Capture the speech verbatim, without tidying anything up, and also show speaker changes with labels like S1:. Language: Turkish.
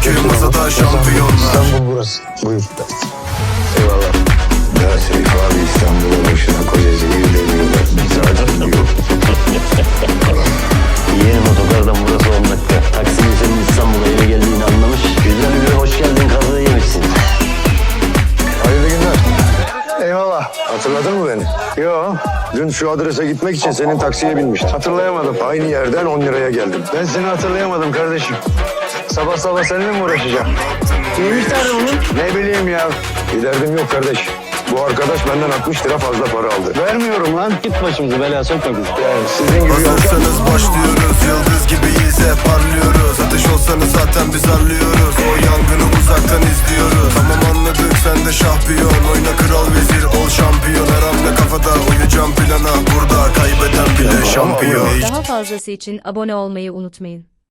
S1: Çünkü masada şampiyonlar.
S2: İstanbul burası. Buyur. Eyvallah. Ya Seyf abi İstanbul'a boşuna koca zehir deniyorlar. Biz acil diyor.
S3: Yeğenim otogardan burası on dakika. Taksici senin İstanbul'a eve geldiğini anlamış. Güzel bir hoş geldin kazığı yemişsin.
S2: Hayırlı günler. Eyvallah. Hatırladın mı beni? Yo. Dün şu adrese gitmek için senin taksiye binmiştim. Hatırlayamadım. Aynı yerden on liraya geldim. Ben seni hatırlayamadım kardeşim. Sabah sabah seninle mi uğraşacağım? Neymiş derdi bunun? Ne bileyim ya. Bir derdim yok kardeş. Bu arkadaş benden altmış lira fazla para aldı. Vermiyorum lan.
S3: Git başımızı belaya sokma bizi.
S2: Yani sizin gibi
S1: Hazırsanız başlıyoruz. Yıldız gibiyiz hep parlıyoruz. Ateş olsanız zaten biz arlıyoruz. O yangını uzaktan izliyoruz. Tamam anladık sen de şampiyon. Oyna kral vezir ol şampiyon. Her hamle kafada uyacağım plana. Burada kaybeden bile şampiyon.
S4: Daha fazlası için abone olmayı unutmayın.